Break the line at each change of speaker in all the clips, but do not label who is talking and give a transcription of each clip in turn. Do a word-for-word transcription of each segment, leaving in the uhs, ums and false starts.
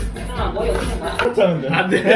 안 돼.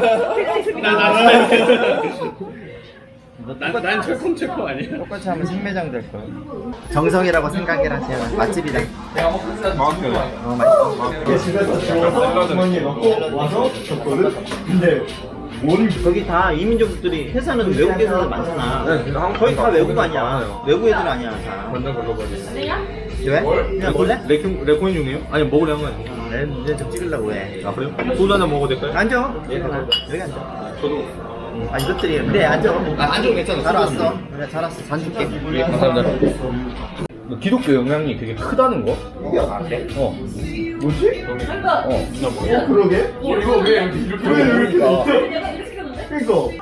난난 철컹철컹 아니야.
똑같이 하면 생매장 될 거야. 정성이라고 생각을 하세요. 맛집이다. 어, 맛있어.
집에서 주워서 주머니에 넣고 와서 줬거든? 근데 뭘
거기 다 이민족들이 회사는 외국 회사들 많잖아.
네, 한국
거의 다
가서
외국
거기는
아니야.
많아요.
외국 애들 아니야. 다.
완전 걸러버리네.
왜? 그냥 먹을래?
레콘, 레콘 중이에요? 아니 먹으려 한 거 아니에요?
내 문제 좀 찍으려고 해.
아 그래요? 소주 한잔 먹어도 될까요?
앉아. 여기 앉아.
저도.
아 이것들이 그래 앉아.
아 앉아도 괜찮아.
잘 왔어. 그래 잘 왔어. 잔 줄게.
예, 감사합니다. 기독교 영향이 되게 크다는 거?
아 그래?
어.
뭐지?
어.
어 그러게?
이거 왜 이렇게
왜 이렇게
그러니까.
됐어? 그니까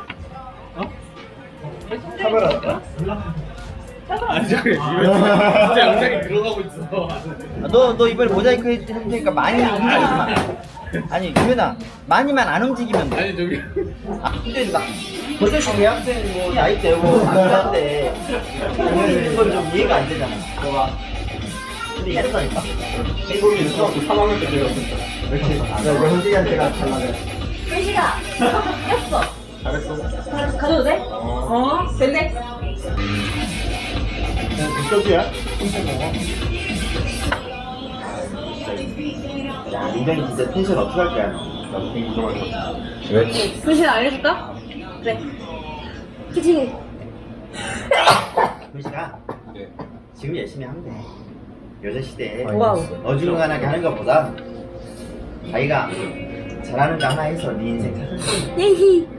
카메라
아니 저기 진짜 영상이 들어가고 있어.
아, 너, 너 이번에 모자이크 해- 해줄 테니까 많이 움직이지 마. 아니, 유현아, 많이만 안 움직이면 돼.
아니 저기
아, 근데 나, 벌써 대학생 뭐, 나이 때고, 남자인데, 움직이는 건 좀 이해가 안 되잖아. 근데 이랬다니까?
행복이 중학교 삼 학년 때 배웠습니다. 이렇게 나 이거 현식이한테가 달라네.
현식아, 꼈어.
잘했어.
가져도 돼? 어, 됐네.
저기야?
야, 민정이 진짜 텐션 어떻게 할 거야?
나도 되게 무서워할 것 같아.
왜?
현식 알려줄까? 그래. 그치?
효시가
네.
지금 열심히 하면 돼. 요새 시대에
와우.
어중간하게 하는 것보다 자기가 잘하는 거 하나 해서 네 인생 살수 있어.
예히.